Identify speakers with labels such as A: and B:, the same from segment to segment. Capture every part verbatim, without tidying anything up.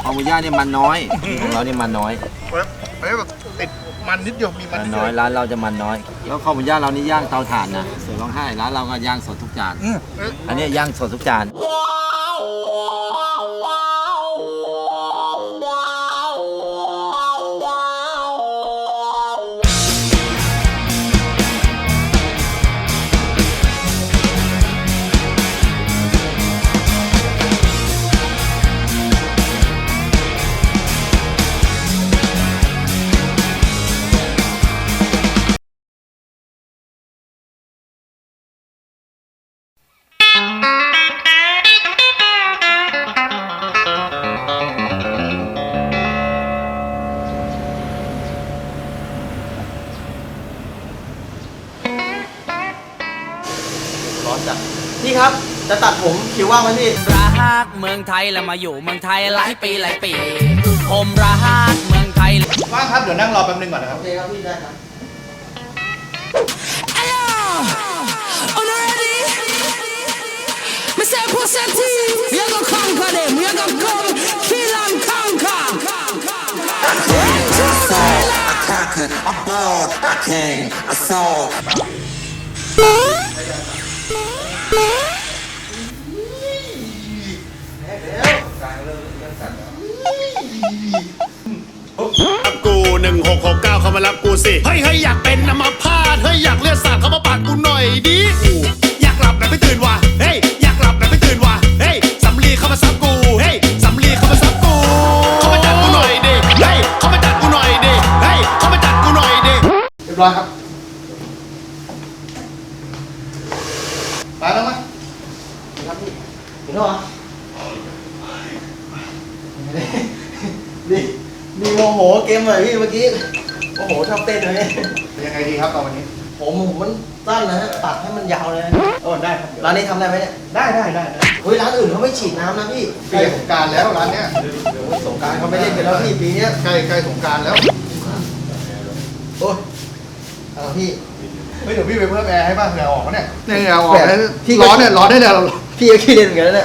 A: คอหมูย่างเนี่ยมันน้อยของเราเนี่ยมันน้อย
B: เฮ้ยแบบติดมันนิดเดียวมีมันนิดเดี
A: น้
B: ย
A: อยว ร้านเราจะมันน้อยแล้วคอหมูย่างเรานี่ย่างเตาถ่านนะเสือร้องไห้ร้านเราก็ย่างสดทุกจานอันนี้ย่างสดทุกจาน
C: พี่ครับจะตัดผมคิวว่างไหมพี่
D: รักเมืองไทยแล้วมาอยู่เมืองไทยหลายปีหลายปีผมรักเมืองไทย
B: ว่างครับเดี๋ยวนั่งรอแป๊บนึงก่อนนะครับ
C: โอเคครับพี่ได้ครับ
E: กูหนึ่งหกหกเก้าเข้ามารับกูสิเฮ้ยเฮ้ยอยากเป็นอัมพาตเฮ้ยอยากเลือดสาดเข้ามาปาดกูหน่อยดิกูอยากหลับแต่ไม่ตื่นว่ะเฮ้ยอยากหลับแต่ไม่ตื่นว่ะเฮ้ยสำลีเข้ามาซับกูเฮ้ยสำลีเข้ามาซับกูเข้ามาจัดกูหน่อยดิเฮ้ยเข้ามาจัดกูหน่อยดิเฮ้ยเข้ามาจัดกูหน่อยดิ
B: เรียบร้อยครับไปแล้วมั้ย
C: ครับพี่เห็นแล้วเหรอนี่นี่โมโหเกมเลยพี่เมื่อกี้โมโหชอบเต้นเลย
B: ยังไงดีครับตอนวันนี้
C: ผมผมมันสั้นนะฮะตัดให้มันยาวเลย
B: โอ้ได้ครับ
C: ร้านนี้ทำได้ไหมเนี่ย
B: ได้ได้ได้
C: เฮ้ยร้านอื่นเขาไม่ฉีดน้ำนะพี่
B: ใกล้สงกรารแล้วร้านเนี้ย
C: เดี๋ยวสงกรานต์เขาไม่เล่นกันแล้วพี่ปีเนี้ย
B: ใกล้ใกล้สงกรารแล้ว
C: โอ้ยเอาพี่
B: เฮ้ยเดี๋ยวพี่ไปเพิ่มแอร์ให้บ้างเหงื่อออกเนี่ยเนี่ยเหงื่อออก
C: แบบ
B: พี่ร้อนเนี่ยร้อนได้เลย
C: พี่ก็ขี้เล่นเหมือนกันนะเนี่ย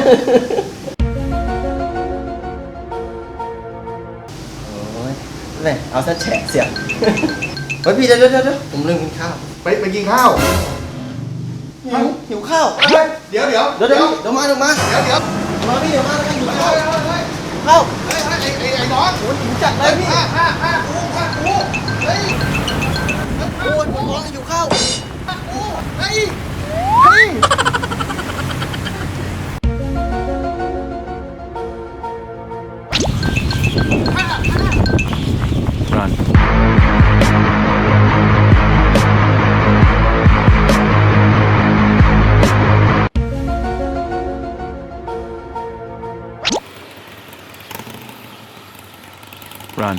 C: โอ้ยเนี่ยเอาซะแฉะเสียงเฮ้ยพี่เดี๋ยวเดี๋ยวเดี๋ยวผมลืมกินข้าว
B: ไปไปกินข้าว
C: หิวหิวข้าว
B: เฮ้ยเดี๋ยวเดี๋ยว
C: เดี๋ยวเดี๋ยวเดี๋ยวมาเดี๋ยวมา
B: เดี๋ยวเดี๋ยว
C: มาพี่เดี๋ยวมาแล้วกันหิวข้าว
B: เฮ้ยเฮ้ย
C: ข้าว
B: เฮ้ยไอ้ไอ้ไอ้น้อง
C: โอ้ยหิวจัดเลยพี่
B: ผ้าผ้าผ้ากูผ้ากูเฮ้ย
C: โอ้ยผมร้องหิวข้าว
B: ผ้ากูเฮ้ยเฮ้ย
A: Run Run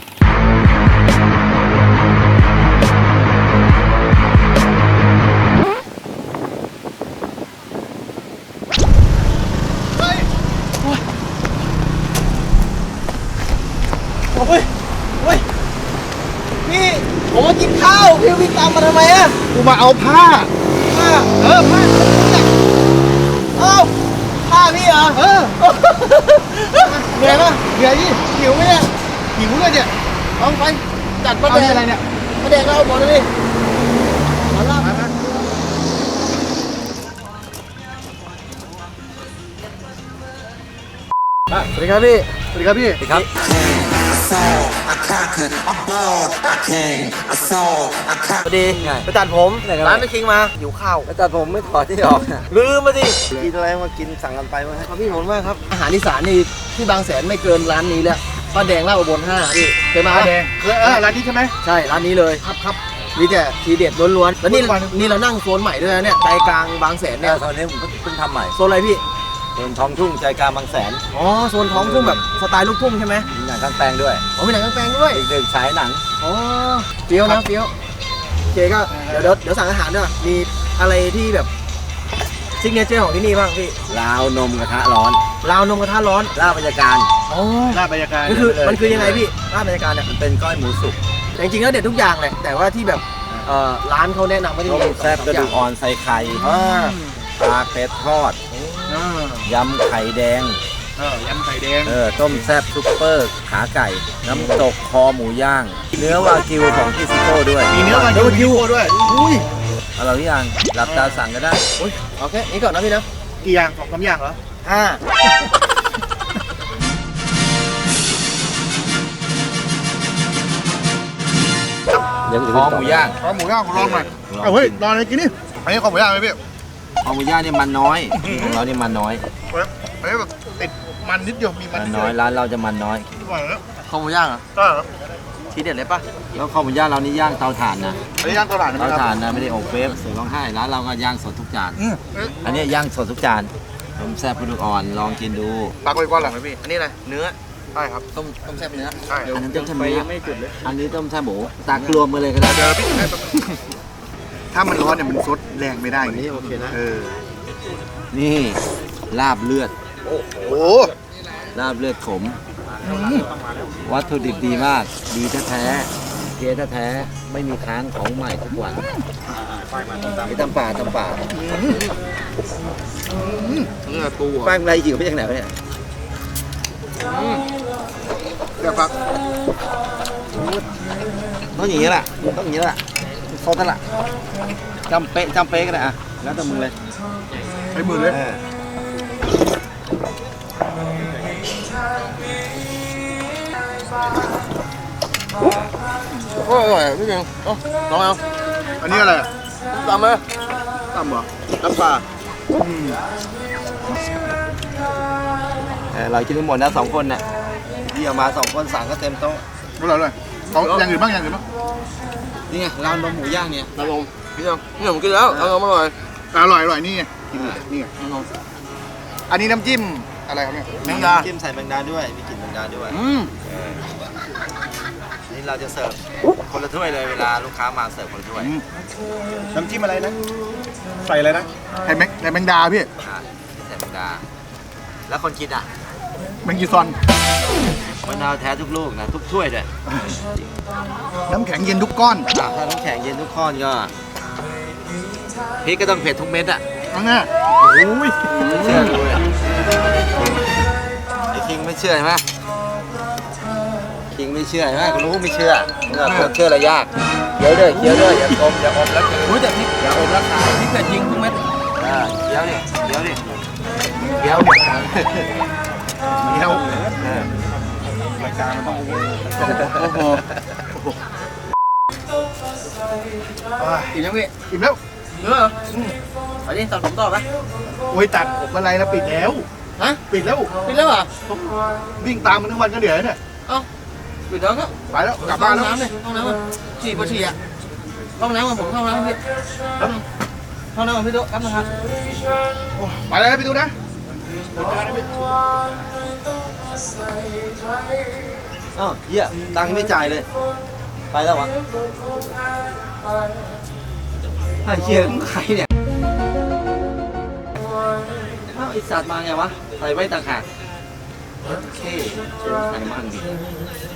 C: โอ้ยโอ้ยพี่ผมมากินข้าวพี่วิ่งตามมาทำไมอะ
B: กูมาเอาผ้า
C: ผ้า
B: เออผ้า
C: เอ้าผ้าพี่เหรอ
B: เออ
C: เหนื่อยปะ
B: เดี๋ยวนี่
C: หิวไหมเนี่ย
B: หิวเลยเนี่ยเอาไป
C: จัดมา
B: เอา
C: แด
B: เนี่ย
C: ก
B: อะไรเนี่ย
C: มาแดกเราบอกเลยดิมาล่า
B: มามา
C: สวัสดีครับพี่
B: สวัสดีครับพี่
A: ครับ
C: สวัสดีไปตัดผมร้านไม่คิงมาหิวข้าว
A: ไปตัดผมไม่ถอดที่ออก
C: ลืมมาดิ
A: กินอะไรมากินสั่งกันไปมั้ง
C: ครับพี่ผมมากครับอาหารอีสานนี่ที่บางแสนไม่เกินร้านนี้แล้วป้าแดงลาดอุบลห้าพี่เคยมา
B: ผ้า
C: ปะ
B: แดงเคยเออร้านนี้ใช่ไหม
C: ใช่ร้านนี้เลย
B: ครับครับ
C: มีแต่ทีเด็ดล้วนๆแล้วนี่
B: ทุกวัน
C: นี่เรานั่งโซนใหม่ด้วยนะเนี่ยใจกลางบางแสน
A: เนี่
C: เนี่ย ย
A: ตอนนี้ผมเพิ่งทำใหม่
C: โซนอะไรพี่
A: โซนท้องทุ่งใจกลางบางแสน
C: อ๋อโซนท้องทุ่งแบบสไตล์ลูกทุ่งใช่ไหม
A: มีหนังข้างแปลงด้วย
C: อ๋อมีหนังกางแปลงด้วย
A: ดึกๆฉายหนัง
C: อ๋อเฟี้ยวนะเฟี้ยวโอเคก็เดี๋ยวเดี๋ยวเดี๋ยวสั่งอาหารด้วยมีอะไรที่แบบซิกเนเจอร์ของที่นี่บ้างพี่
A: ลาวนมกระทะร้อน
C: ราวนมกระทะร้อน
A: ลาบบรรยากาศ
C: อ๋อ
B: หน้าบรรยากาศ
C: มันคือมันคือยังไงพี่ร้านบรรยากาศเนี่ย
A: มันเป็นก้อยหมูสุก
C: แต่จริงๆแล้วเด็ดทุกอย่างแหละแต่ว่าที่แบบเอ่อร้านเขาแนะนำว่าที่
A: ต้
C: มี
A: มแซ่บกระดูกอ่อนใส่ไข่
C: อ่า
A: ปลาเป็ดทอด
C: อ่าย
A: ำไข่แดง
B: เออยำไข่แดง
A: เออต้มแซ่บซุปเปอร์ขาไก่ น้ำตกคอหมูย่าง เนื้อวากิวของที่ซิโก้ด้วย
B: มีเนื้อวากิวด้วยอุ้ย
A: เอาเราหรือยังหลับตาสั่งก็ได้
C: โอ้ยโอเคนี่ก่อนนะพี่นะ
B: กี่อย่างสองสามอย่างเหรอ
C: ห้า
A: คอหมูย่าง
B: ข้าวหมูย่างของลองหน่อย
A: ลอง
B: เอาเฮ้ย
A: กิน
B: ลองเลยกินนี่อันนี้ข้าวหมูย่างไหมพี่
A: คอหมูย่างเนี่ยมันน้อยของเราเนี่ยมันน้อย
B: เฮ้ยอันนี้แบบติดมันนิดเดียวมีมัน
A: มัน
B: นิดเดี
A: น้อย
B: ยว
A: ร้านเราจะมันน้อย
B: อร่อยแล้ว
C: ข้าวหมูย่างเหรอ
B: ก็ครับ
C: ทีเด็ดเลยปะ
A: แล้วคอหมูย่างเรานี่ย่างเตาถ่านนะ
B: อันนี้ย่างตลาดนะค
A: เตา
B: รับ
A: ถ่านนะไม่ได้อบเวฟเสือร้องไห้ร้านเราก็ย่างสดทุกจาน
B: อืมเอ๊ะ
A: อันนี้ย่างสดทุกจานผมแซ่บปลาดุกอ่อนลองกินดู
B: ตักไว้ก่อนเหรอ
C: ไหมพี่อันนี้อะไรเนื้อ
B: ใช่ครับ
C: ต้มต้มแซ่บเนื้อ
B: ใช่
A: อันนั้นต้มแซ่บหมู
C: ยังไม่จุดเลย
A: อันนี้ต้มแซ่บหมูตักรวมมาเลยก็ได้
B: เดี๋ยวพี่ให้แป๊บนึงถ้ามันร้อนเนี่ยมันซดแรงไม่ได้
C: อันนี้โอเคนะ
B: เออ
A: นี่ลาบเลือด
B: โอ้โห
A: ลาบเลือดขม วัตถุดิบดีมาก ดีแท้ๆเกแท้ๆไม่มีค้างของใหม่ทุกวันไอ้ตำป่าตำป่า
B: เนื้อปู
C: แป้งไรหิวไปจากไหนวะเนี่ย
B: เดี๋ยวพัก
A: ต้องอย่างนี้แหละต้องอย่างนี้แหละโซดนั่นแหละจำเป๊ะจำเป๊ะก็ได้อะแล้วแต่มึงเลย
B: ใช้มือเลย
A: เออ
C: โอ้ยอร่อยพี่เก่งเอ้าลองเอา
B: อันนี้อะไรอ่ะ
C: ตามมา
B: ตำเหรอ
C: น้ำปลา
A: เออเรากินทั้งหมดนะสองคนน่ะที่เอามาสองคนสั่งก็เต็มโต๊ะ
B: อร่อยเลยเอาอย่างอื่นบ้างอย่างอื่นบ้าง
A: นี่ไงร้านนมหมูย่างเนี่ย
C: น้ำนมพี่เก่งพี่ผมกินแล้วเอานมอร่อย
B: อร่อยอร่อยนี่ไงกินเลยนี่ไง
C: น้ำนม
B: อันนี้น้ำจิ้มอะไรครับเนี่ย
C: แมงดา
A: จิ้มใส่แมงดาด้วยมีกลิ่นแมงดาด้วย
C: อืม
A: นี่เราจะเสิร์ฟคนละถ้วยเลยเวลาลูกค้ามาเสิร์ฟคนละถ้วย
B: น้ำจิ้มอะไรนะ ใส่อะไรนะไข่แมงไข่แมงดาพี่
A: อ่าใส่แมงดา แล้วคนกินอ่ะ
B: แมงกีซอน
A: มะนาวแท้ทุกลูกนะทุกถ้วยเลย
B: น้ำแข็งเย็นทุกก้อน
A: อ่ะถ้าน้ำแข็งเย็นทุกข้อนก็พริกก็ต้องเผ็ดทุกเม็ดอ่ะ
B: เอาง่าย
A: ไม่เชื่อดูเลยไอ้คิงไม่เชื่อใช่ไหมคิงไม่เชื่อใช่ไหมรู้ไม่เชื่อเออคนเชื่ออะไรยากเคี้ยวด้วยเคี้ยวด้วยอย่าอมอย่าอมแล้วคือ
C: อุ้ยแต่พริกอย่าอมราคาพริกแต่จริงทุกเม็ด
A: อ่าเคี้ยวดิเคี้ยวดิเคี้ยวดิ
B: เดี๋ยว
A: เออ
B: โอ้โห
C: กินยังพี่
B: อิ่มแล้ว
C: เนื้อเหรออืมไปดิตัดผมต่อปะ
B: โอ้ยตัดผมอะไรแล้วปิดแล้ว
C: ฮะ
B: ปิดแล้ว
C: ปิดแล้วเหรอ
B: วิ่งตามมันทั้งวันก็เหนื่อยเนี่ย
C: เอ้าปิดแล้วก็
B: ไปแล้วกลับบ้านแล้ว
C: ห้องน้ำเลยห้องน้ำอ่ะฉี่ปะฉี่อ่ะห้องน้ำอ่ะผมเข้าห้องน้ำพี่แป๊บนึงห้องน้ำอ่ะพี่ตุ๊กแป๊บนึงครับ
B: โอ้ไปแล้วนะพี่ดูนะ
A: อ้าวเหี้ยตังค์ไม่จ่ายเลย ไปแล้ววะไอ้เหี้ยมึงใครเนี่ยอ้าวไอสัตว์มาไงวะใส่ไว้ต่างหากโอเคใครมั่งดิ